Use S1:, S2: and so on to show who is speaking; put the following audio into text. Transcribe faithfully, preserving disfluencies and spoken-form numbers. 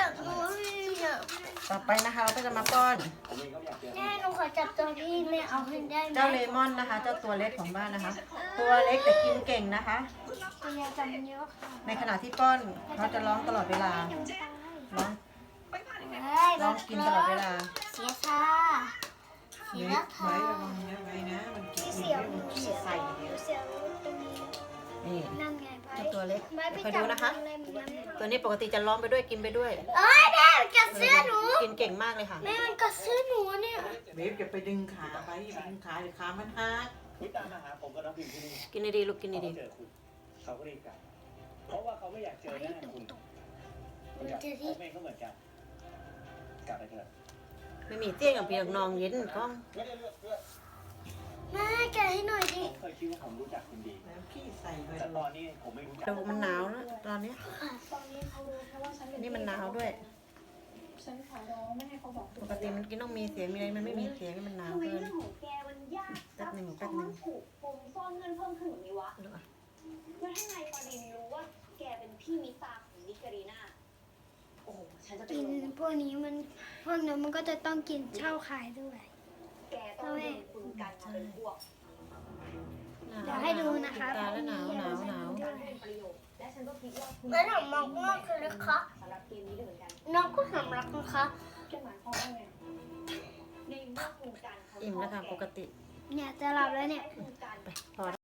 S1: ากดูเนี่ย
S2: ต่อไปนะคะเราก็จะมาป้อน
S1: แม่หนูขอจับตัวที่แม่เอาให้ได้ไหม
S2: เจ้าเลมอนนะคะ เจ้าตัวเล็กของบ้านนะคะ ตัวเล็กแต่กินเก่งนะคะ
S1: ตัวยาจำเยอะค่ะ
S2: ในขณะที่ป้อนเขาจะร้องตลอดเวลาร้องร้องกินตลอดเวลา
S1: เสียค่ะเสียค่ะ เสียงเสียงใส่เสียงตรงนี้
S2: นี่
S1: นั่นไง
S2: เจ้าตัวเล็ก
S1: ไม่ไป
S2: คอย
S1: จั
S2: ดู
S1: บ
S2: นะคะ
S1: อะไรมันยังไม่
S2: ตัวนี้ปกติจะร้องไปด้วยกินไปด้วย
S1: เอ้ยแม่มันกัดเสื้อหนู
S2: กินเก่งมากเลยค่ะ
S1: แม่มันกัดเสื้อหนูเนี่ย
S3: เบฟอย่าไปดึงขาไปอย่าไปดึงขาเดี๋ยวขามันหัก
S4: วิตามมาหาผมกับน้องพิมที่นี่
S2: กินดีๆลูกกิน
S4: เขา
S2: ดี
S4: เจอคุณเขาก็รีบกลับเพราะว่าเขาไม่อยากเจอหน้าคุณผมอยากผมเองก็เหมือนกันกลับไปเถอะ
S2: ๆไม่มีเตี้ยงกับเปียกนองเย็นก้อง
S4: ไม่ได้เลือกเลือก
S1: แม่แกะให้หน่อยดิ
S4: ผมเคยคิดว่าผมรู้จักคุณดี
S3: แล้วพี่ใส่ไป
S4: แต่ตอนนี้ผมไม่รู้จัก
S2: ดูมันหนาวแล้วตอนนี้
S5: ตอนนี้เขารู้แค่ว่าฉันเป็น
S2: นี่มันหนาวด้วย
S5: ฉันขอร้องไม่ให้เขาบอก
S2: ปกติมันกินต้องมีเสียงมีอะไรมันไม่มีเสียงมันหนาว
S5: ทำไม
S2: เกิน
S5: เรื่องของแกมันยาก
S2: แป๊บหนึ่ง
S5: ซั
S2: แป๊
S5: บบ
S2: หนึ่
S5: ซ้อง นถูกปมซ่อนเงินเพิ่มขึ้นแบบนี้วะ
S2: ดูอ่ะ
S5: แล้วถ้านายปารินรู้ว่าแกเป็นพี่มิตาของนิการีนาโอ้โหฉันจะเป็น
S1: กิน
S5: ลม
S1: พวกนี้มันพวกนั้นมันก็จะต้องกินเช่าขายด้วย
S5: แกต้องโดนคุณกันมาเป็นพวก
S1: เดี๋ยวให้ดูนะคะ
S2: ตาแล้วหนาวหนาวหนาว
S5: การเป็นประโยชน์และฉันก็คิดว่าคุณ
S1: แล้วหนูมองว่าคือนะคะ
S5: สำหรับเกมนี้ด้วยเหมือนกัน
S1: น้องก็สำรักนะคะ
S5: จะหมายความว่าไงในเมื่อคุณกันเขา
S2: อิ่มแล้วค่ะปกติ
S1: เนี่ยจะหลับแล้วเนี่ย
S5: คุณกัน
S2: พอ